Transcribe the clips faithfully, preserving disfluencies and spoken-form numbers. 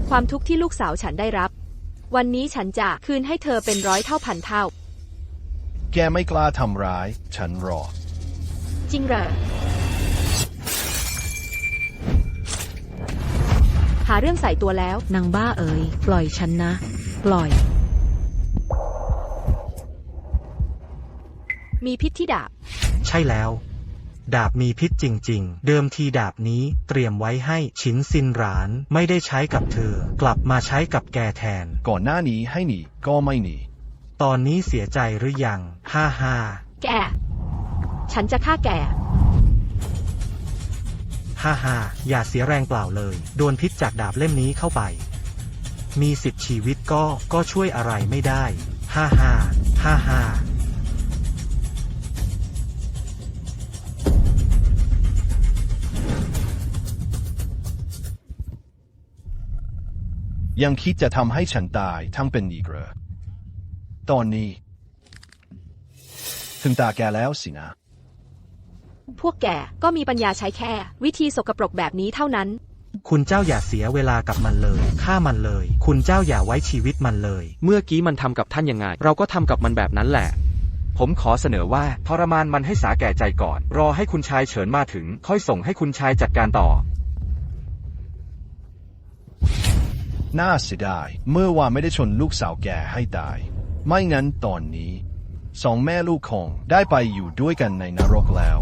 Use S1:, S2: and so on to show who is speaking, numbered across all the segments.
S1: ความทุกข์ที่ลูกสาวฉันได้รับวันนี้ฉันจะคืนให้เธอเป็นร้อยเท่าพันเท่า
S2: แกไม่กล้าทำร้ายฉันหรอก
S1: จริงเหรอหาเรื่องใส่ตัวแล้ว
S3: นางบ้าเอ๋ยปล่อยฉันนะปล่อย
S1: มีพิษที่ดาบ
S4: ใช่แล้วดาบมีพิษจริงๆเดิมทีดาบนี้เตรียมไว้ให้ฉินซินหรานไม่ได้ใช้กับเธอกลับมาใช้กับแกแทน
S2: ก่อนหน้านี้ให้หนีก็ไม่หนี
S4: ตอนนี้เสียใจหรือยังฮ่าฮ่า
S1: แกฉันจะฆ่าแก
S4: ฮ่าฮ่าอย่าเสียแรงเปล่าเลยโดนพิษจากดาบเล่มนี้เข้าไปมีสิบชีวิตก็ก็ช่วยอะไรไม่ได้ฮ่าฮ่าฮ่าฮ่า
S2: ยังคิดจะทำให้ฉันตายทั้งเป็นอีกเหรอตอนนี้ถึงตาแกแล้วสินะ
S1: พวกแกก็มีปัญญาใช้แค่วิธีสกปรกแบบนี้เท่านั้น
S4: คุณเจ้าอย่าเสียเวลากับมันเลยฆ่ามันเลยคุณเจ้าอย่าไว้ชีวิตมันเลย
S5: เมื่อกี้มันทำกับท่านยังไงเราก็ทำกับมันแบบนั้นแหละผมขอเสนอว่าทรมานมันให้สาแก่ใจก่อนรอให้คุณชายเฉินมาถึงค่อยส่งให้คุณชายจัดการต่อ
S2: น่าเสียดายเมื่อวานไม่ได้ชนลูกสาวแกให้ตายไม่งั้นตอนนี้สองแม่ลูกคงได้ไปอยู่ด้วยกันในนรกแล้ว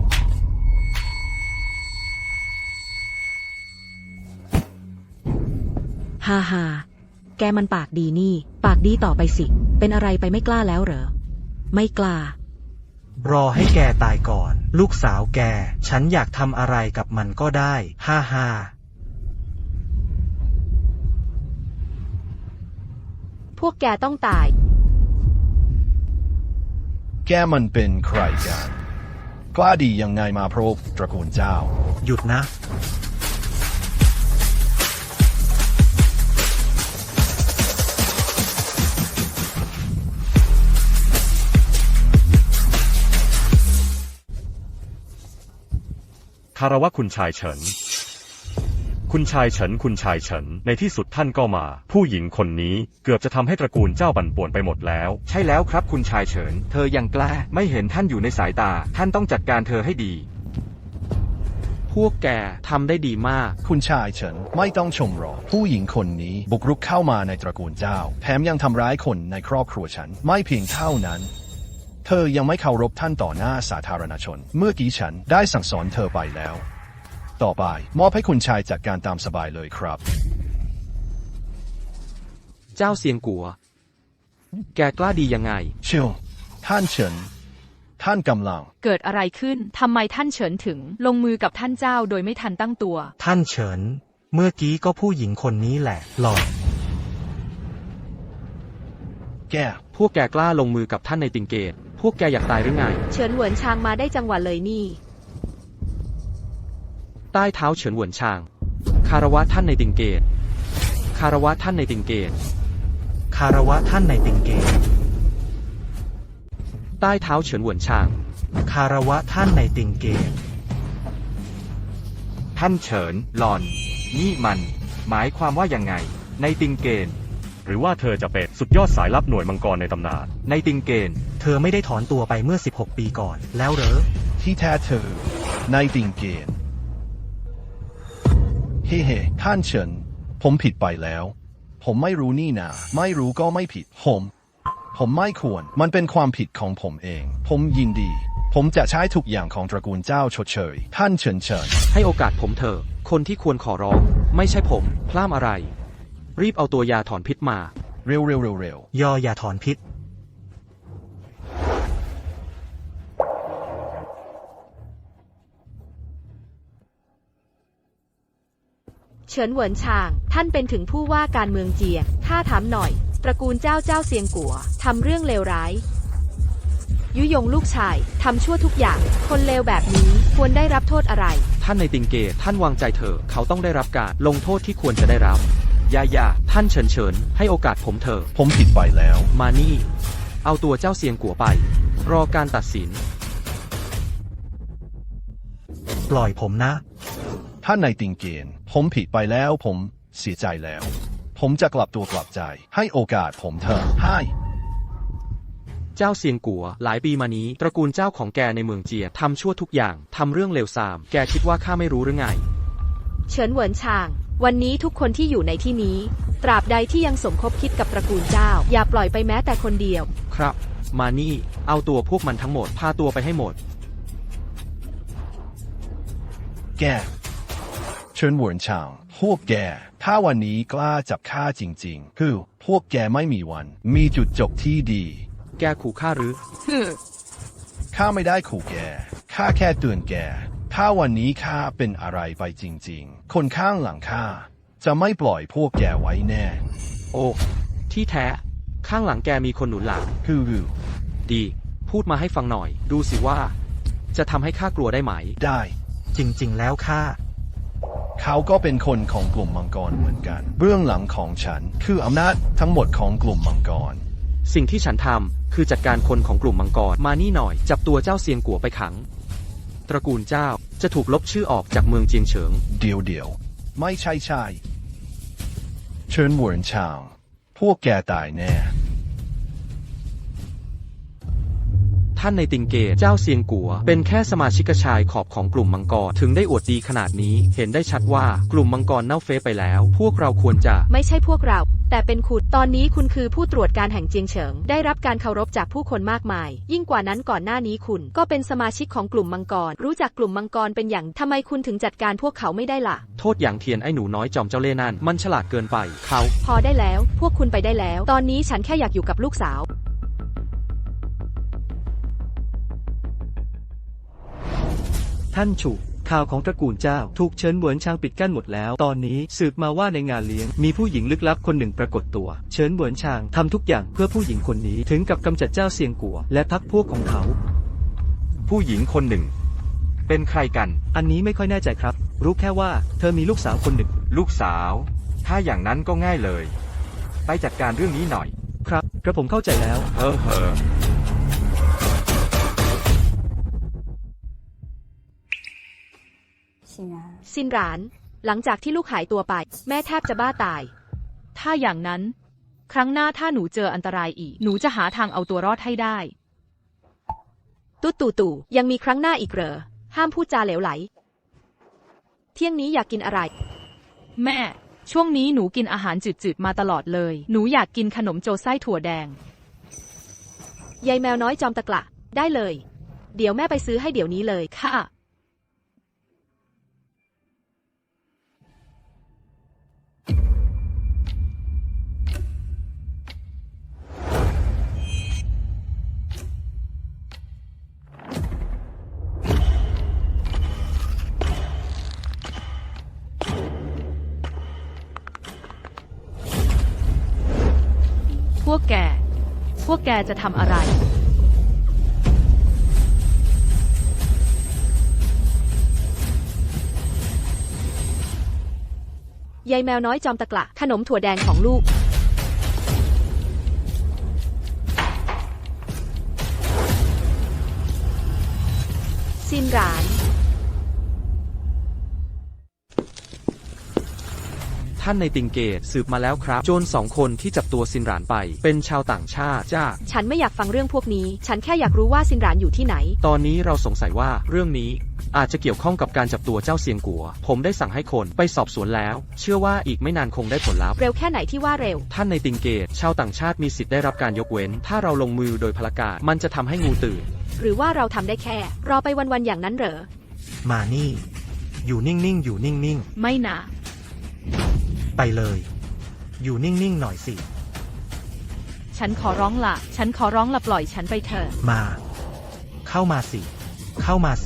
S3: ฮ่าฮ่าแกมันปากดีนี่ปากดีต่อไปสิเป็นอะไรไปไม่กล้าแล้วเหรอไม่กล้าร
S4: อให้แกตายก่อนลูกสาวแกฉันอยากทำอะไรกับมันก็ได้ฮ่าฮ่า
S1: พวกแกต้องตาย
S2: แกมันเป็นใครกันกล้าดียังไงมาพรบตระกูลเจ้า
S4: หยุดนะ
S6: คารวะคุณชายเฉินคุณชายเฉินคุณชายเฉินในที่สุดท่านก็มาผู้หญิงคนนี้เกือบจะทำให้ตระกูลเจ้าบั่นป่วนไปหมดแล้ว
S5: ใช่แล้วครับคุณชายเฉินเธอยังกล้าไม่เห็นท่านอยู่ในสายตาท่านต้องจัดการเธอให้ดี
S7: พวกแกทำได้ดีมาก
S2: คุณชายเฉินไม่ต้องชมหรอกผู้หญิงคนนี้บุกรุกเข้ามาในตระกูลเจ้าแถมยังทำร้ายคนในครอบครัวฉันไม่เพียงเท่านั้นเธอยังไม่เคารพท่านต่อหน้าสาธารณชนเมื่อกี้ฉันได้สั่งสอนเธอไปแล้วต่อไปมอบให้คุณชายจัดการตามสบายเลยครับ
S7: เจ้าเซียงกัวแกกล้าดียังไง
S2: เชียวท่านเฉินท่านกำลัง
S1: เกิดอะไรขึ้นทำไมท่านเฉินถึงลงมือกับท่านเจ้าโดยไม่ทันตั้งตัว
S4: ท่านเฉินเมื่อกี้ก็ผู้หญิงคนนี้แหละหลอน
S2: แก
S7: พวกแกกล้าลงมือกับท่านในติงเกตพวกแกอยากตายหรือไง
S1: เฉินเหวินชางมาได้จังหวะเลยนี่
S7: ใต้เท้าเฉินเหวินชางคารวะท่านในติงเกตคารวะท่านในติงเกต
S4: คารวะท่านในติงเกต
S7: ใต้เท้าเฉินเหวินชาง
S4: คารวะท่านในติงเกต
S5: ท่านเฉินหลอนนี่มันหมายความว่ายังไงในติงเกน
S6: หรือว่าเธอจะเป็นสุดยอดสายลับหน่วยมังกรในตำนาน
S5: ในติงเกน
S4: เธอไม่ได้ถอนตัวไปเมื่อสิบหกปีก่อนแล้วเหรอ
S2: ที่แท้เธอในติงเกนเฮ้เฮ้ท่านเฉินผมผิดไปแล้วผมไม่รู้นี่นาไม่รู้ก็ไม่ผิดผมผมไม่ควรมันเป็นความผิดของผมเองผมยินดีผมจะใช้ทุกอย่างของตระกูลเจ้าชดเชยท่านเฉินเฉิน
S7: ให้โอกาสผมเถอะคนที่ควรขอร้องไม่ใช่ผมพลาดอะไรรีบเอาตัวยาถอนพิษมา
S2: เร็วเร็วเร็วเร็วย
S4: อยาถอนพิษ
S1: เฉินเหวินชางท่านเป็นถึงผู้ว่าการเมืองเจียงข้าถามหน่อยตระกูลเจ้าเจ้าเซียงกัวทำเรื่องเลวร้ายยุยงลูกชายทำชั่วทุกอย่างคนเลวแบบนี้ควรได้รับโทษอะไร
S7: ท่านในติงเกตท่านวางใจเถอะเขาต้องได้รับการลงโทษที่ควรจะได้รับอย่าอย่าท่านเฉินเฉินให้โอกาสผมเถอะ
S2: ผมผิดไปแล้ว
S7: มานี่เอาตัวเจ้าเซียงกัวไปรอการตัดสิน
S4: ปล่อยผมนะ
S2: ท่านในติงเกนผมผิดไปแล้วผมเสียใจแล้วผผมจะกลับตัวกลับใจ ให้โอกาสผมเถอะให้
S7: เจ้าเซียงกัว หลายปีมานี้ ตระกูลเจ้าของแกในเมืองเจียทำชั่วทุกอย่างทำเรื่องเลวทราม แกคิดว่าข้าไม่รู้หรือไง
S1: เฉินเหวินชาง วันนี้ทุกคนที่อยู่ในที่นี้ ตราบใดที่ยังสมคบคิดกับตระกูลเจ้า อย่าปล่อยไปแม้แต่คนเดียว
S7: ครับ มานี่ เอาตัวพวกมันทั้งหมด พาตัวไปให้หมด
S2: แกเชิญหวนชางพวกแก ถ้าวันนี้กล้าจับข้าจริงๆ คือพวกแกไม่มีวัน มีจุดจบที่ดี
S7: แกขู่ข้าหรือ
S2: ข้าไม่ได้ขู่แก ข้าแค่เตือนแก ถ้าวันนี้ข้าเป็นอะไรไปจริงๆ คนข้างหลังข้าจะไม่ปล่อยพวกแกไว้แน่
S7: โอ้ ที่แท้ ข้างหลังแกมีคนหนุนหลัง
S2: คือคือ
S7: ดี พูดมาให้ฟังหน่อย ดูสิว่า จะทำให้ข้ากลัวได้ไหม
S2: ได้
S4: จริงๆ แล้วข้า
S2: เขาก็เป็นคนของกลุ่มมังกรเหมือนกัน เบื้องหลังของฉันคืออำนาจทั้งหมดของกลุ่มมังกร
S7: สิ่งที่ฉันทำคือจัดการคนของกลุ่มมังกร มานี่หน่อย จับตัวเจ้าเซียงกัวไปขัง ตระกูลเจ้าจะถูกลบชื่อออกจากเมืองเจียงเฉิง
S2: เดี๋ยวเดี๋ยวไม่ใช่ใช่เชิญหวนชาง พวกแกตายแน่
S7: ท่านในติงเกตเจ้าเซียงกัว เป็นแค่สมาชิกชายขอบของกลุ่มมังกร ถึงได้อวดดีขนาดนี้ เห็นได้ชัดว่ากลุ่มมังกรเน่าเฟะไปแล้ว พวกเราควรจะ
S1: ไม่ใช่พวกเรา แต่เป็นคุณ ตอนนี้คุณคือผู้ตรวจการแห่งเจียงเฉิง ได้รับการเคารพจากผู้คนมากมาย ยิ่งกว่านั้นก่อนหน้านี้คุณ ก็เป็นสมาชิกของกลุ่มมังกร รู้จักกลุ่มมังกรเป็นอย่างทำไมคุณถึงจัดการพวกเขาไม่ได้ล่ะ
S7: โทษอย่างเทียนไอ้หนูน้อยจอมเจ้าเล่ห์นั่น มันฉลาดเกินไป เขา
S1: พอได้แล้ว พวกคุณไปได้แล้ว ตอนนี้ฉันแค่อยากอยู่กับลูกสาว
S8: ท่านฉุข่าวของตระกูลเจ้าถูกเฉินเหวินชางปิดกั้นหมดแล้ว ตอนนี้สืบมาว่าในงานเลี้ยงมีผู้หญิงลึกลับคนหนึ่งปรากฏตัว เฉินเหวินชางทำทุกอย่างเพื่อผู้หญิงคนนี้ถึงกับกำจัดเจ้าเซียงกัว และพรรคพวกของเขา
S5: ผู้หญิงคนหนึ่ง เป็นใครกัน
S8: อันนี้ไม่ค่อยแน่ใจครับ รู้แค่ว่าเธอมีลูกสาวคนหนึ่ง
S5: ลูกสาว ถ้าอย่างนั้นก็ง่ายเลย ไปจัดการเรื่องนี้หน่อย
S8: ครับกระผมเข้าใจแล้ว
S5: เฮ้อเฮ้อ
S1: ซินหราน หลังจากที่ลูกหายตัวไป แม่แทบจะบ้าตาย
S9: ถ้าอย่างนั้น ครั้งหน้าถ้าหนูเจออันตรายอีก หนูจะหาทางเอาตัวรอดให้ได้
S1: ตุ๊ตู่ตู่ยังมีครั้งหน้าอีกเหรอ ห้ามพูดจาเหลวไหล เที่ยงนี้อยากกินอะไร
S9: แม่ ช่วงนี้หนูกินอาหารจืดๆมาตลอดเลย หนูอยากกินขนมโจไส้ถั่วแดง
S1: ยายแมวน้อยจอมตะกละ ได้เลย เดี๋ยวแม่ไปซื้อให้เดี๋ยวนี้เลย
S9: ค่ะ พวกแก พวกแกจะทำอะไร
S1: ยายแมวน้อยจอมตะกละ ขนมถั่วแดงของลูก ซินหราน
S7: ท่านในติงเกตสืบมาแล้วครับ โจรสองคนที่จับตัวซินหรานไป เป็นชาวต่างชาติจ้า
S1: ฉันไม่อยากฟังเรื่องพวกนี้ ฉันแค่อยากรู้ว่าซินหรานอยู่ที่ไหน
S7: ตอนนี้เราสงสัยว่าเรื่องนี้อาจจะเกี่ยวข้องกับการจับตัวเจ้าเซียงกัว ผมได้สั่งให้คนไปสอบสวนแล้ว เชื่อว่าอีกไม่นานคงได้ผลลัพธ์
S1: เร็วแค่ไหนที่ว่าเร็ว
S7: ท่านในติงเกต ชาวต่างชาติมีสิทธิ์ได้รับการยกเว้น ถ้าเราลงมือโดยพลการมันจะทำให้งูตื่น
S1: หรือว่าเราทำได้แค่ รอไปวันๆอย่างนั้นเหรอ
S4: มานี่ อยู่นิ่งๆ อยู่นิ่ง
S9: ไม่นะ
S4: ๆ ไปเลย อยู่นิ่งๆ หน่อยสิ
S9: ฉันขอร้องละฉันขอร้องละปล่อยฉันไปเถอะ
S4: มา เข้ามาสิ เข้ามาสิ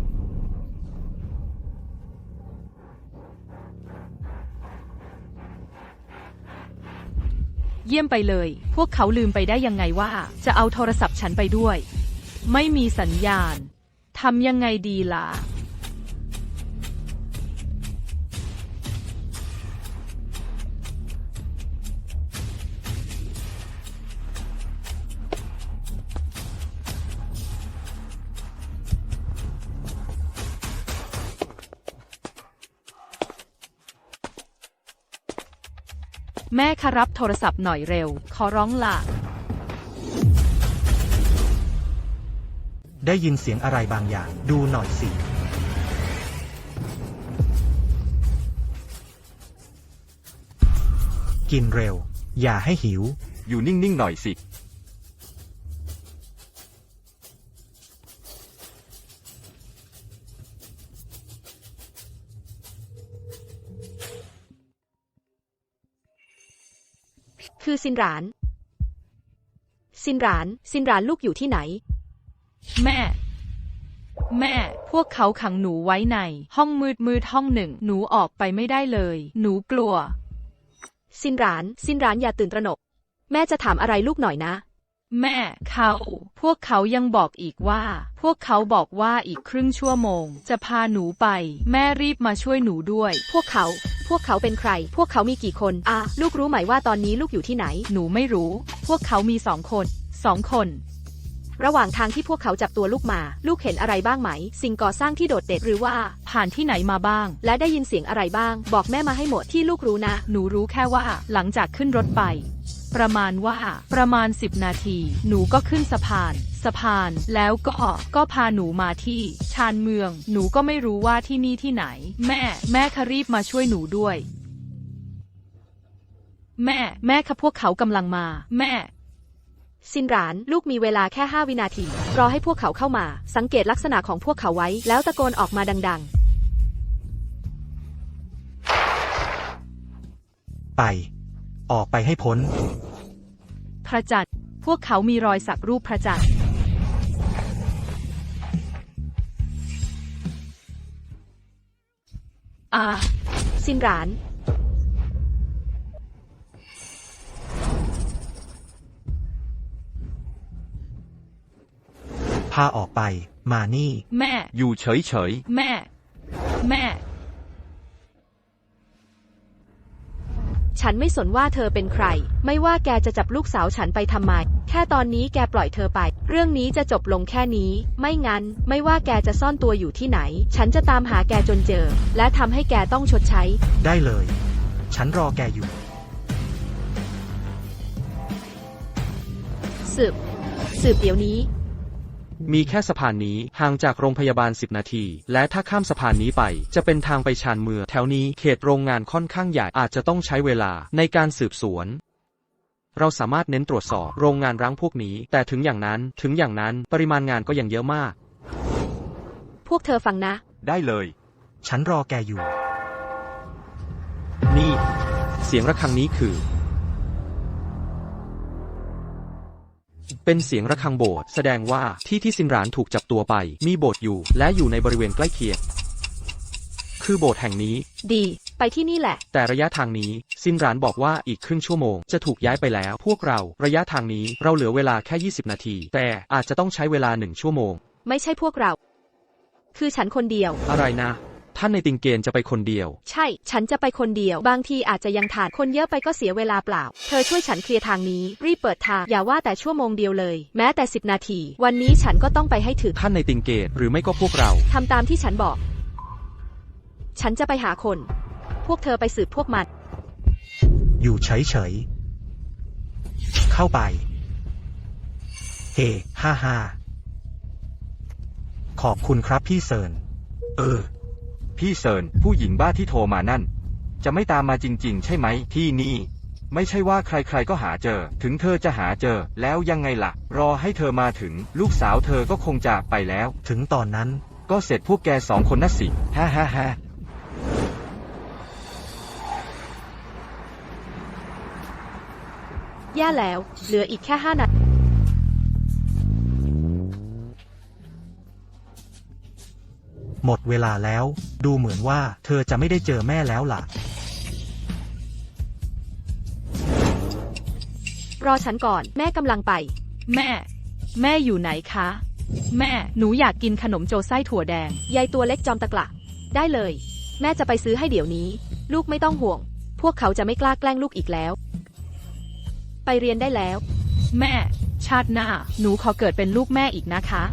S9: เยี่ยมไปเลย พวกเขาลืมไปได้ยังไงว่า จะเอาโทรศัพท์ฉันไปด้วย ไม่มีสัญญาณ ทำยังไงดีล่ะแม่คะรับโทรศัพท์หน่อยเร็ว ขอร้องล่ะ
S4: ได้ยินเสียงอะไรบางอย่าง ดูหน่อยสิ กินเร็ว อย่าให้หิว
S5: อยู่นิ่งๆหน่อยสิ
S1: คือซินหราน ซินหราน ซินหรานลูกอยู่ที่ไหน
S9: แม่ แม่ พวกเขาขังหนูไว้ใน ห้องมืดมืดห้องหนึ่ง หนูออกไปไม่ได้เลย หนูกลัว
S1: ซินหราน ซินหรานอย่าตื่นตระหนก แม่จะถามอะไรลูกหน่อยนะ
S9: แม่เขา พวกเขายังบอกอีกว่า พวกเขาบอกว่าอีกครึ่งชั่วโมง จะพาหนูไป แม่รีบมาช่วยหนูด้วย
S1: พวกเขา พวกเขาเป็นใคร พวกเขามีกี่คนอ่ะลูกรู้ไหมว่าตอนนี้ลูกอยู่ที่ไหน
S9: หนูไม่รู้ พวกเขามีสองคน สองคน
S1: ระหว่างทางที่พวกเขาจับตัวลูกมา ลูกเห็นอะไรบ้างไหม สิ่งก่อสร้างที่โดดเด่นหรือว่า
S9: ผ่านที่ไหนมาบ้าง
S1: และได้ยินเสียงอะไรบ้าง บอกแม่มาให้หมดที่ลูกรู้นะ
S9: หนูรู้แค่ว่า หลังจากขึ้นรถไป ประมาณว่า ประมาณสิบนาที หนูก็ขึ้นสะพาน สะพาน แล้วก็ ก็พาหนูมาที่ ชานเมือง หนูก็ไม่รู้ว่าที่นี่ที่ไหน แม่ แม่คะรีบมาช่วยหนูด้วย แม่ แม่คะพวกเขากำลังมา แม่
S1: ซินหราน ลูกมีเวลาแค่ห้าวินาที รอให้พวกเขาเข้ามา สังเกตลักษณะของพวกเขาไว้ แล้วตะโกนออกมาดัง
S4: ไป ออกไปให้พ้น
S9: พระจันทร์ พวกเขามีรอยสักรูปพระจันทร์ อ่า
S1: ๆ ซินหราน
S4: พาออกไป มานี่
S9: แม่
S5: อยู่เฉย
S9: แม่ แม่
S1: ฉันไม่สนว่าเธอเป็นใคร ไม่ว่าแกจะจับลูกสาวฉันไปทำไม แค่ตอนนี้แกปล่อยเธอไป เรื่องนี้จะจบลงแค่นี้ ไม่งั้น ไม่ว่าแกจะซ่อนตัวอยู่ที่ไหน ฉันจะตามหาแกจนเจอ และทำให้แกต้องชดใช้
S4: ได้เลย ฉันรอแกอยู่
S1: สืบ สืบเดี๋ยวนี้
S7: มีแค่สะพานนี้ห่างจากโรงพยาบาลสิบนาที และถ้าข้ามสะพานนี้ไป จะเป็นทางไปชานเมืองแถวนี้เขตโรงงานค่อนข้างใหญ่อาจจะต้องใช้เวลาในการสืบสวน เราสามารถเน้นตรวจสอบโรงงานร้างพวกนี้ แต่ถึงอย่างนั้นถึงอย่างนั้นปริมาณงานก็ยังเยอะมาก
S1: พวกเธอฟังนะ
S5: ๆ ได้เลย
S4: ฉันรอแกอยู่
S7: นี่ เสียงระฆังนี้คือ เป็นเสียงระฆังโบสถ์แสดงว่าที่ที่ซินหรานถูกจับตัวไป มีโบสถ์อยู่ และอยู่ในบริเวณใกล้เคียง คือโบสถ์แห่งนี้
S1: ดี ไปที่นี่แหละ
S7: แต่ระยะทางนี้ซินหรานบอกว่าอีกครึ่งชั่วโมงจะถูกย้ายไปแล้ว พวกเราระยะทางนี้เราเหลือเวลาแค่ยี่สิบนาที แต่อาจจะต้องใช้เวลาหนึ่งชั่วโมง
S1: ไม่ใช่พวกเรา คือฉันคนเดียว
S7: อะไรนะ ท่านในติงเกนจะไปคนเดียว
S1: ใช่ ฉันจะไปคนเดียว บางทีอาจจะยังขาดคนเยอะไปก็เสียเวลาเปล่า เธอช่วยฉันเคลียร์ทางนี้ รีบเปิดทาง อย่าว่าแต่ชั่วโมงเดียวเลย แม้แต่สิบนาที วันนี้ฉันก็ต้องไปให้ถึง
S7: ท่านในติงเกตหรือไม่ก็พวกเรา
S1: ทำตามที่ฉันบอก ฉันจะไปหาคน พวกเธอไปสืบพวกมัน
S4: อยู่เฉยๆ เข้าไป เฮ ฮ่าฮ่าขอบคุณครับพี่เซิน เออ
S5: พี่เซินผู้หญิงบ้าที่โทรมานั่น จะไม่ตามมาจริงๆ ใช่ไหมที่นี่ ไม่ใช่ว่าใครๆก็หาเจอ ถึงเธอจะหาเจอ แล้วยังไงล่ะ รอให้เธอมาถึง ลูกสาวเธอก็คงจากไปแล้ว
S4: ถึงตอนนั้น
S5: ก็เสร็จพวกแกสองคนน่ะสิฮ่าฮ่าฮ่า
S1: แย่แล้ว เหลืออีกแค่ห้านาที
S4: หมดเวลาแล้ว ดูเหมือนว่าเธอจะไม่ได้เจอแม่แล้วล่ะ
S1: รอฉันก่อน แม่กำลังไป
S9: แม่ แม่อยู่ไหนคะ แม่ หนูอยากกินขนมโจไส้ถั่วแดง
S1: ยายตัวเล็กจอมตะกละ ได้เลย แม่จะไปซื้อให้เดี๋ยวนี้ ลูกไม่ต้องห่วง พวกเขาจะไม่กล้าแกล้งลูกอีกแล้ว ไปเรียนได้แล้ว
S9: แม่ ชาติหน้า หนูขอเกิดเป็นลูกแม่อีกนะคะ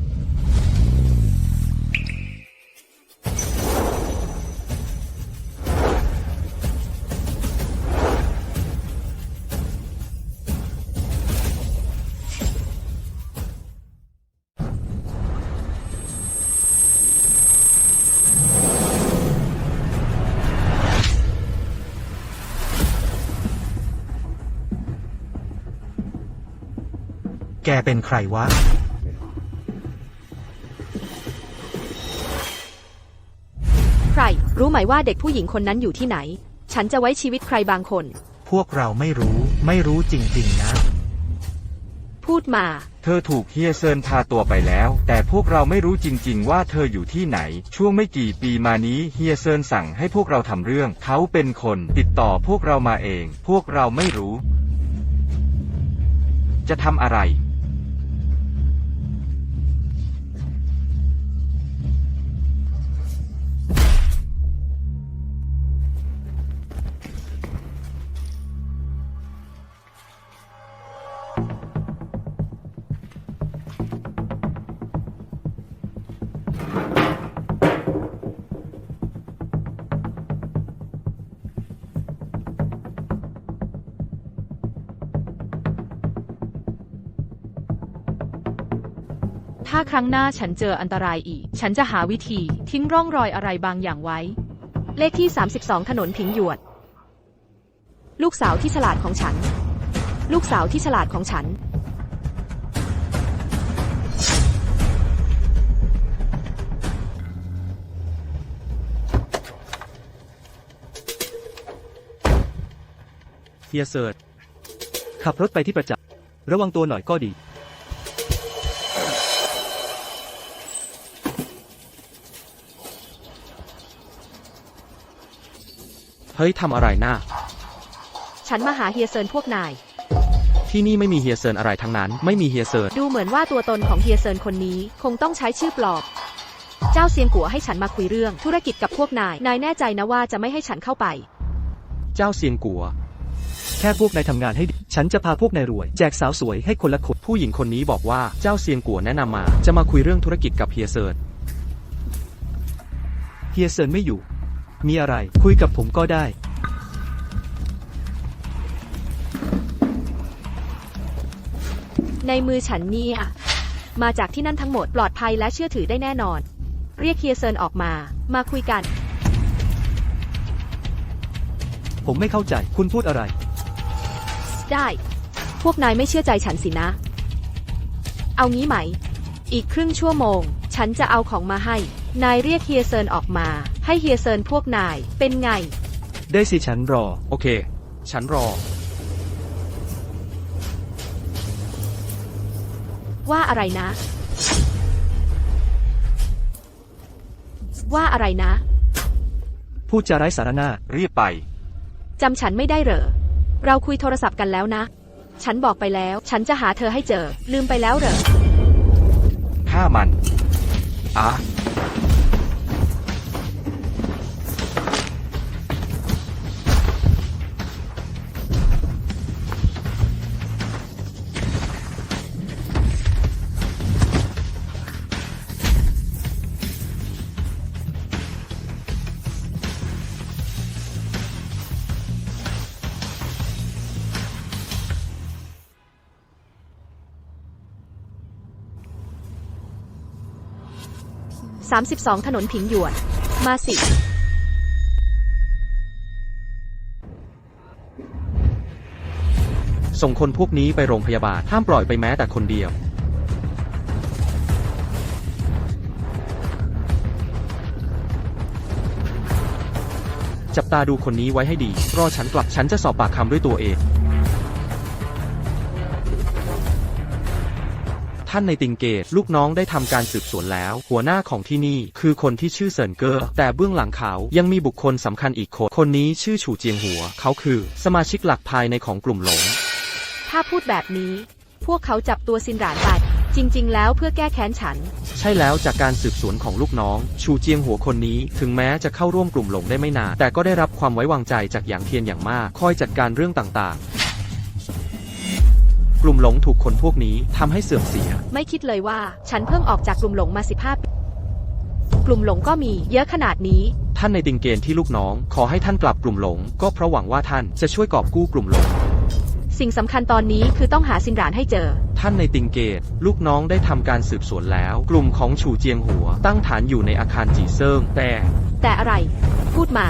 S4: แกเป็นใครวะ
S1: ใคร รู้ไหมว่าเด็กผู้หญิงคนนั้นอยู่ที่ไหน ฉันจะไว้ชีวิตใครบางคน
S4: พวกเราไม่รู้ ไม่รู้จริงๆนะ
S1: พูดมา
S5: เธอถูกเฮียเซินพาตัวไปแล้ว แต่พวกเราไม่รู้จริงๆว่าเธออยู่ที่ไหน ช่วงไม่กี่ปีมานี้เฮียเซินสั่งให้พวกเราทำเรื่อง เขาเป็นคนติดต่อพวกเรามาเอง พวกเราไม่รู้ จะทำอะไร
S9: ถ้าครั้งหน้าฉันเจออันตรายอีก ฉันจะหาวิธีทิ้งร่องรอยอะไรบางอย่างไว้
S1: เลขที่ สามสิบสอง ถนนผิงหยวด ลูกสาวที่ฉลาดของฉัน ลูกสาวที่ฉลาดของฉัน
S8: เฮียเซิร์ชขับรถไปที่ประจักษ์ระวังตัวหน่อยก็ดี
S7: เฮ้ยทำอะไรน่า
S1: ฉันมาหาเฮียเซินพวกนาย
S7: ที่นี่ไม่มีเฮียเซินอะไรทั้งนั้น ไม่มีเฮียเซิน
S1: ดูเหมือนว่าตัวตนของเฮียเซินคนนี้ คงต้องใช้ชื่อปลอม เจ้าเซียงกัวให้ฉันมาคุยเรื่องธุรกิจกับพวกนาย นายแน่ใจนะว่าจะไม่ให้ฉันเข้าไป
S7: เจ้าเซียงกัว
S8: แค่พวกนายทำงานให้ดีฉันจะพาพวกนายรวย แจกสาวสวยให้คนละคน
S7: ผู้หญิงคนนี้บอกว่าเจ้าเซียงกัวแนะนำมา จะมาคุยเรื่องธุรกิจกับเฮียเซิน
S8: เฮียเซินไม่อยู่ มีอะไรคุยกับผมก็ได้
S1: ในมือฉันเนี่ยมาจากที่นั่นทั้งหมดปลอดภัยและเชื่อถือได้แน่นอน เรียกเฮียเซินออกมา มาคุยกัน
S8: ผมไม่เข้าใจคุณพูดอะไร
S1: ได้ พวกนายไม่เชื่อใจฉันสินะ เอางี้ไหม อีกครึ่งชั่วโมง ฉันจะเอาของมาให้ นายเรียกเฮียเซินออกมา ให้เฮียเซินพวกนาย เป็นไง
S8: ได้สิฉันรอ
S7: โอเค ฉันรอ
S1: ว่าอะไรนะ ว่าอะไรนะ
S8: พูดจาไร้สาระหน้า
S5: รีบไป
S1: จำฉันไม่ได้เหรอ เราคุยโทรศัพท์กันแล้วนะ ฉันบอกไปแล้ว ฉันจะหาเธอให้เจอ ลืมไปแล้วเหรอ
S5: ฆ่ามัน อ่ะ
S1: สามสิบสอง ถนนผิงหยวน มาสิ
S7: ส่งคนพวกนี้ไปโรงพยาบาล ห้ามปล่อยไปแม้แต่คนเดียว จับตาดูคนนี้ไว้ให้ดี รอฉันกลับ ฉันจะสอบปากคำด้วยตัวเอง ท่านในติงเกต ลูกน้องได้ทำการสืบสวนแล้ว หัวหน้าของที่นี่คือคนที่ชื่อเซินเกอร์ แต่เบื้องหลังเขายังมีบุคคลสำคัญอีกคน คนนี้ชื่อฉูเจียงหัว เขาคือสมาชิกหลักภายในของกลุ่มหลง
S1: ถ้าพูดแบบนี้ พวกเขาจับตัวซินหรานไป จริงๆ แล้วเพื่อแก้แค้นฉัน
S7: ใช่แล้วจากการสืบสวนของลูกน้อง ชูเจียงหัวคนนี้ ถึงแม้จะเข้าร่วมกลุ่มหลงได้ไม่นาน แต่ก็ได้รับความไว้วางใจจากหยางเทียนอย่างมาก คอยจัดการเรื่องต่างๆ กลุ่มหลงถูกคนพวกนี้ทำให้เสื่อมเสีย
S1: ไม่คิดเลยว่า ฉันเพิ่งออกจากกลุ่มหลงมาสิบห้าปี กลุ่มหลงก็มีเยอะขนาดนี้
S7: ท่านในติงเกนที่ลูกน้อง ขอให้ท่านกลับกลุ่มหลง ก็เพราะหวังว่าท่านจะช่วยกอบกู้กลุ่มหลง
S1: สิ่งสำคัญตอนนี้คือต้องหาซินหรานให้เจอ
S7: ท่านในติงเกต ลูกน้องได้ทำการสืบสวนแล้ว กลุ่มของฉูเจียงหัว ตั้งฐานอยู่ในอาคารจีเซิงแต่
S1: แต่อะไร พูดมา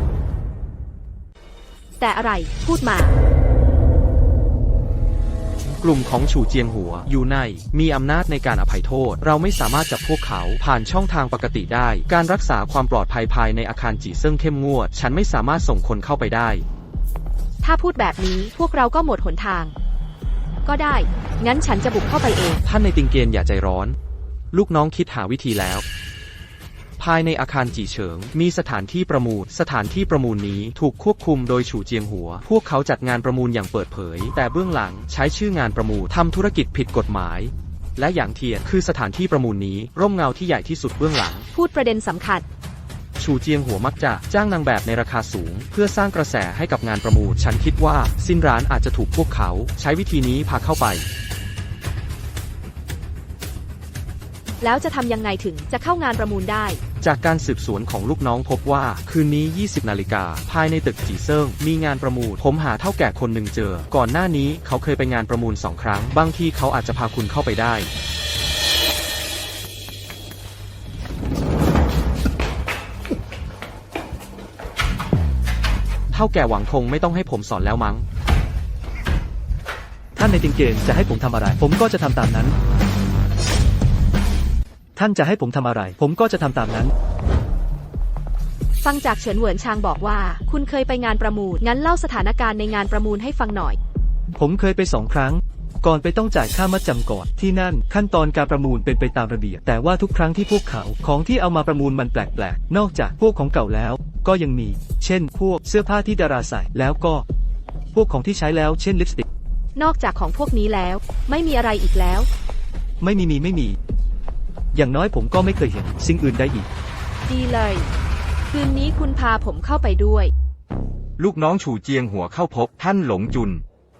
S1: แต่อะไร พูดมา
S7: กลุ่มของฉูเจียงหัวอยู่ในมีอำนาจในการอภัยโทษเราไม่สามารถจับพวกเขาผ่านช่องทางปกติได้การรักษาความปลอดภัยภายในอาคารจีเซิ่งเข้มงวดฉันไม่สามารถส่งคนเข้าไปได้
S1: ถ้าพูดแบบนี้พวกเราก็หมดหนทาง ก็ได้ งั้นฉันจะบุกเข้าไปเอง
S7: ท่านในติงเกียนอย่าใจร้อน ลูกน้องคิดหาวิธีแล้ว ภายในอาคารจีเฉิงมีสถานที่ประมูลสถานที่ประมูลนี้ถูกควบคุมโดยฉูเจียงหัวพวกเขาจัดงานประมูลอย่างเปิดเผยแต่เบื้องหลังใช้ชื่องานประมูลทำธุรกิจผิดกฎหมายและอย่างเทียนคือสถานที่ประมูลนี้ร่มเงาที่ใหญ่ที่สุดเบื้องหลัง
S1: พูดประเด็นสำคัญ
S7: ฉูเจียงหัวมักจะจ้างนางแบบในราคาสูงเพื่อสร้างกระแสให้กับงานประมูลฉันคิดว่าซินร้านอาจจะถูกพวกเขาใช้วิธีนี้พาเข้าไป
S1: แล้วจะทำยังไงถึงจะเข้างานประมูลได้
S7: จากการสืบสวนของลูกน้องพบว่าคืนนี้ยี่สิบนาฬิกาภายในตึกจีเซิ่งมีงานประมูลผมหาเท่าแก่คนหนึ่งเจอก่อนหน้านี้เขาเคยไปงานประมูลสองครั้งบางทีเขาอาจจะพาคุณเข้าไปได้เท่าแก่หวังคงไม่ต้องให้ผมสอนแล้วมั้ง
S8: ท่านในติงเกนจะให้ผมทำอะไร ผมก็จะทำตามนั้น ท่านจะให้ผมทำอะไร ผมก็จะทำตามนั้น
S1: ฟังจากเฉินเหวินชางบอกว่า คุณเคยไปงานประมูล งั้นเล่าสถานการณ์ในงานประมูลให้ฟังหน่อย
S8: ผมเคยไปสองครั้ง ก่อนไปต้องจ่ายค่ามัดจำก่อน ที่นั่นขั้นตอนการประมูลเป็นไปตามระเบียบ แต่ว่าทุกครั้งที่พวกเขาของที่เอามาประมูลมันแปลกๆ นอกจากพวกของเก่าแล้ว ก็ยังมี เช่น พวกเสื้อผ้าที่ดาราใส่ แล้วก็ พวกของที่ใช้แล้ว เช่นลิปสติก
S1: นอกจากของพวกนี้แล้ว ไม่มีอะไรอีกแล้ว
S8: ไม่มีมีไม่มี อย่างน้อยผมก็ไม่เคยเห็นสิ่งอื่นใดอีก
S1: ดีเลย คืนนี้คุณพาผมเข้าไปด้วย
S5: ลูกน้องฉูเจียงหัวเข้าพบท่านหลงจุน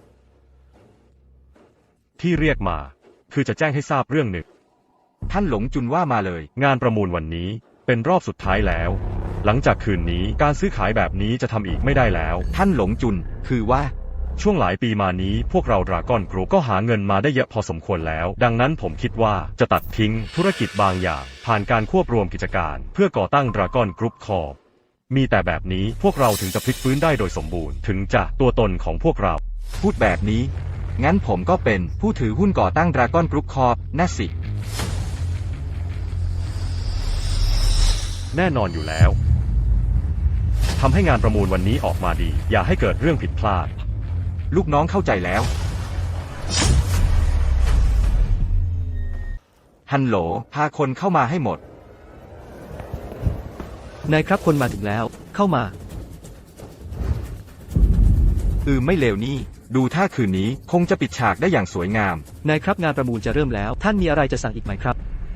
S6: ที่เรียกมา คือจะแจ้งให้ทราบเรื่องหนึ่ง
S5: ท่านหลงจุนว่ามาเลย
S6: งานประมูลวันนี้เป็นรอบสุดท้ายแล้ว หลังจากคืนนี้การซื้อขายแบบนี้จะทำอีกไม่ได้แล้ว
S5: ท่านหลงจุนคือว่า
S6: ช่วงหลายปีมานี้พวกเราดราก้อนกรุ๊ปก็หาเงินมาได้เยอะพอสมควรแล้ว ดังนั้นผมคิดว่าจะตัดทิ้งธุรกิจบางอย่าง ผ่านการควบรวมกิจการ เพื่อก่อตั้งดราก้อนกรุ๊ปคอร์ปมีแต่แบบนี้พวกเราถึงจะพลิกฟื้นได้โดยสมบูรณ์ถึงจะตัวตนของพวกเรา
S5: พูดแบบนี้ งั้นผมก็เป็นผู้ถือหุ้นก่อตั้งดราก้อนกรุ๊ปคอร์ปน่ะสิ
S6: แน่นอนอยู่แล้วทำให้งานประมูลวันนี้ออกมาดี อย่าให้เกิดเรื่องผิดพลาด
S5: ลูกน้องเข้าใจแล้ว ฮัลโหล พาคนเข้ามาให้หมด
S8: นายครับคนมาถึงแล้ว เข้ามา
S5: อือไม่เลวนี่ ดูท่าคืนนี้คงจะปิดฉากได้อย่างสวยงาม
S8: นายครับงานประมูลจะเริ่มแล้ว ท่านมีอะไรจะสั่งอีกไหมครับ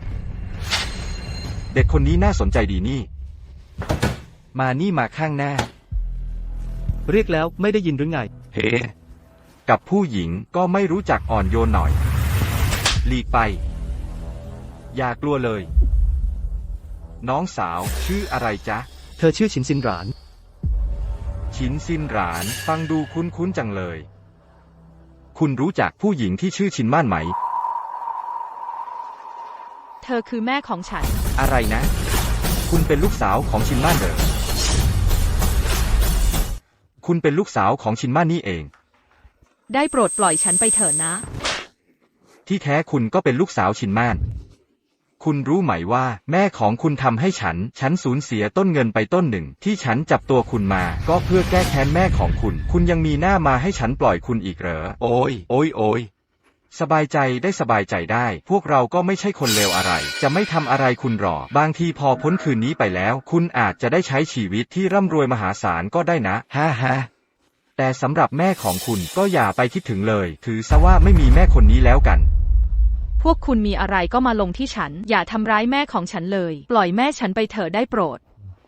S5: เด็กคนนี้น่าสนใจดีนี่ มานี่มาข้างหน้า
S8: เรียกแล้วไม่ได้ยินหรือไง
S5: เฮ้ กับผู้หญิงก็ไม่รู้จักอ่อนโยนหน่อย หลีกไป อย่ากลัวเลย น้องสาวชื่ออะไรจ๊ะ
S8: เธอชื่อฉินซินหราน
S5: ฉินซินหรานฟังดูคุ้นๆจังเลย คุณรู้จักผู้หญิงที่ชื่อชินม่านไหม
S9: เธอคือแม่ของฉัน
S5: อะไรนะ คุณเป็นลูกสาวของชินม่านเหรอ คุณเป็นลูกสาวของชินม่านนี่เอง
S9: ได้โปรดปล่อยฉันไปเถอะนะ
S5: ที่แท้คุณก็เป็นลูกสาวชินม่าน คุณรู้ไหมว่าแม่ของคุณทำให้ฉัน ฉันสูญเสียต้นเงินไปต้นหนึ่ง ที่ฉันจับตัวคุณมา ก็เพื่อแก้แค้นแม่ของคุณ คุณยังมีหน้ามาให้ฉันปล่อยคุณอีกเหรอ โอ้ย โอ้ยโอ้ยสบายใจได้สบายใจได้ พวกเราก็ไม่ใช่คนเลวอะไร จะไม่ทำอะไรคุณหรอก บางทีพอพ้นคืนนี้ไปแล้ว คุณอาจจะได้ใช้ชีวิตที่ร่ำรวยมหาศาลก็ได้นะฮ่าฮ่าแต่สำหรับแม่ของคุณก็อย่าไปคิดถึงเลย ถือซะว่าไม่มีแม่คนนี้แล้วกัน
S9: พวกคุณมีอะไรก็มาลงที่ฉัน อย่าทำร้ายแม่ของฉันเลย ปล่อยแม่ฉันไปเถอะได้โปรด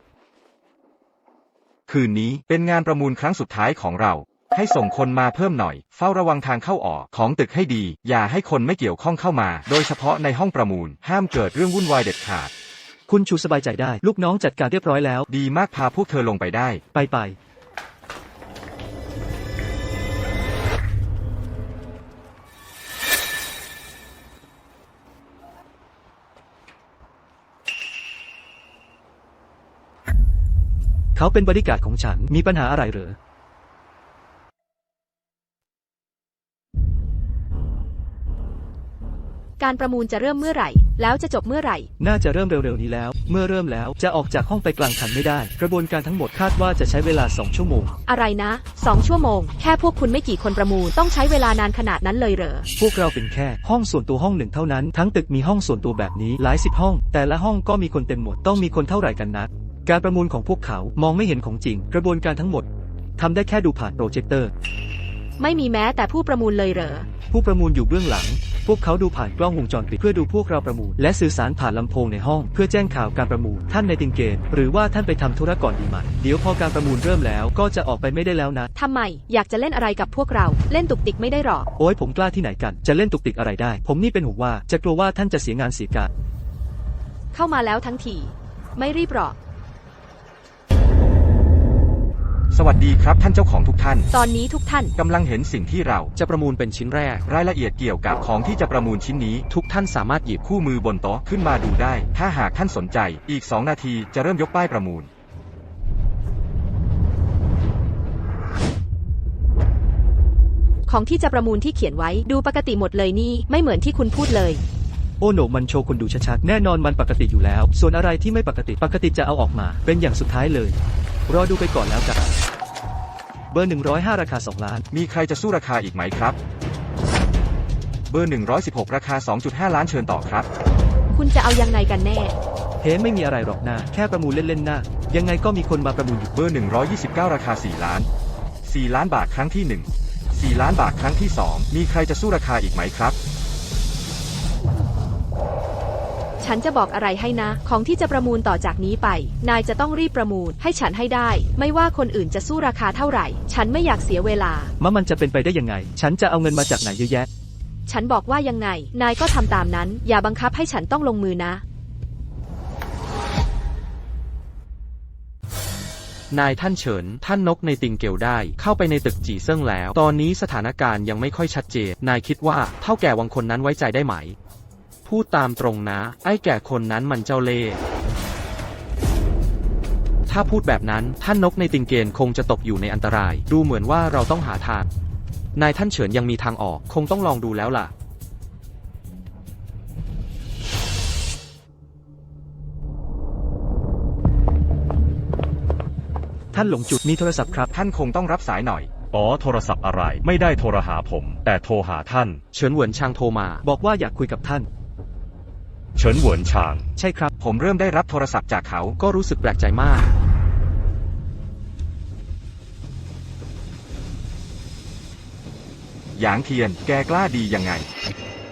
S5: คืนนี้เป็นงานประมูลครั้งสุดท้ายของเรา ให้ส่งคนมาเพิ่มหน่อย เฝ้าระวังทางเข้าออกของตึกให้ดี อย่าให้คนไม่เกี่ยวข้องเข้ามา โดยเฉพาะในห้องประมูล ห้ามเกิดเรื่องวุ่นวายเด็ดขาด
S8: คุณชูสบายใจได้ ลูกน้องจัดการเรียบร้อยแล้ว
S5: ดีมากพาพวกเธอลงไปได้
S8: ไปไปเขาเป็นบริการดของฉัน มีปัญหาอะไรเหรอ
S1: การประมูลจะเริ่มเมื่อไหร่ แล้วจะจบเมื่อไหร่
S8: น่าจะเริ่มเร็วๆนี้แล้ว เมื่อเริ่มแล้วจะออกจากห้องไปกลางคันไม่ได้ กระบวนการทั้งหมดคาดว่าจะใช้เวลาสองชั่วโมง
S1: อะไรนะสองชั่วโมง แค่พวกคุณไม่กี่คนประมูลต้องใช้เวลานานขนาดนั้นเลยเหรอ
S8: พวกเราเป็นแค่ห้องส่วนตัวห้องหนึ่งเท่านั้น ทั้งตึกมีห้องส่วนตัวแบบนี้หลายสิบห้อง แต่ละห้องก็มีคนเต็มหมด ต้องมีคนเท่าไหร่กันนะการประมูลของพวกเขามองไม่เห็นของจริง กระบวนการทั้งหมดทำได้แค่ดูผ่านโปรเจคเตอร์
S1: ไม่มีแม้แต่ผู้ประมูลเลยเหรอ
S8: ผู้ประมูลอยู่เบื้องหลัง พวกเขาดูผ่านกล้องวงจรปิดเพื่อดูพวกเราประมูลและสื่อสารผ่านลำโพงในห้องเพื่อแจ้งข่าวการประมูลท่านในติงเกนหรือว่าท่านไปทำธุระก่อนดีไหมเดี๋ยวพอการประมูลเริ่มแล้วก็จะออกไปไม่ได้แล้วนะ
S1: ทำไม อยากจะเล่นอะไรกับพวกเรา เล่นตุกติกไม่ได้หรอก
S8: โอ้ยผมกล้าที่ไหนกันจะเล่นตุกติกอะไรได้ ผมนี่เป็นห่วงว่าจะกลัวว่าท่านจะเสียงานเสียการ
S1: เข้ามาแล้วทั้งที ไม่รีบหรอก
S5: สวัสดีครับท่านเจ้าของทุกท่าน
S1: ตอนนี้ทุกท่าน
S5: กำลังเห็นสิ่งที่เรา
S7: จะประมูลเป็นชิ้นแรก
S5: รายละเอียดเกี่ยวกับของที่จะประมูลชิ้นนี้
S7: ทุกท่านสามารถหยิบ
S5: คู่มือบนโต๊ะขึ้นมาดูได้ ถ้าหากท่านสนใจอีกสองนาทีจะเริ่มยกป้ายประมูล
S1: ของที่จะประมูลที่เขียนไว้ดูปกติหมดเลยนี่ไม่เหมือนที่คุณพูดเลย
S8: โอ้โหนมันโชว์คนดูชัดๆแน่นอนมันปกติอยู่แล้ว ส่วนอะไรที่ไม่ปกติปกติจะเอาออกมา เป็นอย่างสุดท้ายเลยรอดูไปก่อนแล้วกันเบอร์หนึ่งร้อยห้าราคาสองล้าน
S5: มีใครจะสู้ราคาอีกไหมครับ เบอร์หนึ่งร้อยสิบหกราคา สองจุดห้า ล้านเชิญต่อครับ
S1: คุณจะเอายังไงกันแน่
S8: เฮ้ไม่มีอะไรหรอกนะแค่ประมูลเล่นๆนะยังไงก็มีคนมาประมูลอยู่
S5: เบอร์หนึ่งร้อยยี่สิบเก้าราคา สี่ ล้าน สี่ ล้านบาทครั้งที่หนึ่ง สี่ ล้านบาทครั้งที่สองมีใครจะสู้ราคาอีกไหมครับ
S1: ฉันจะบอกอะไรให้นะ ของที่จะประมูลต่อจากนี้ไป นายจะต้องรีบประมูลให้ฉันให้ได้ ไม่ว่าคนอื่นจะสู้ราคาเท่าไหร่ ฉันไม่อยากเสียเวลา
S8: มะมันจะเป็นไปได้ยังไง ฉันจะเอาเงินมาจากไหนเยอะแยะ
S1: ฉันบอกว่ายังไง นายก็ทำตามนั้น อย่าบังคับให้ฉันต้องลงมือนะ
S7: นายท่านเฉิน ท่านนกในติงเกลได้ เข้าไปในตึกจีเซิ่งแล้ว ตอนนี้สถานการณ์ยังไม่ค่อยชัดเจน นายคิดว่าเท่าแก่วังคนนั้นไว้ใจได้ไหม พูดตามตรงนะ ไอ้แก่คนนั้นมันเจ้าเล่ห์ ถ้าพูดแบบนั้นท่านนกในติงเกนคงจะตกอยู่ในอันตราย ดูเหมือนว่าเราต้องหาทาง นายท่านเฉินยังมีทางออก คงต้องลองดูแล้วล่ะ
S8: ท่านหลงจุดมีโทรศัพท์ครับ
S5: ท่านคงต้องรับสายหน่อย
S6: อ๋อโทรศัพท์อะไร ไม่ได้โทรหาผม แต่โทรหาท่าน
S7: เฉินเหวินชางโทรมา
S8: บอกว่าอยากคุยกับท่าน
S6: เฉินเหวินชาง
S8: ใช่ครับ
S5: ผมเริ่มได้รับโทรศัพท์จากเขา
S7: ก็รู้สึกแปลกใจมาก
S5: หยางเทียน แกกล้าดียังไง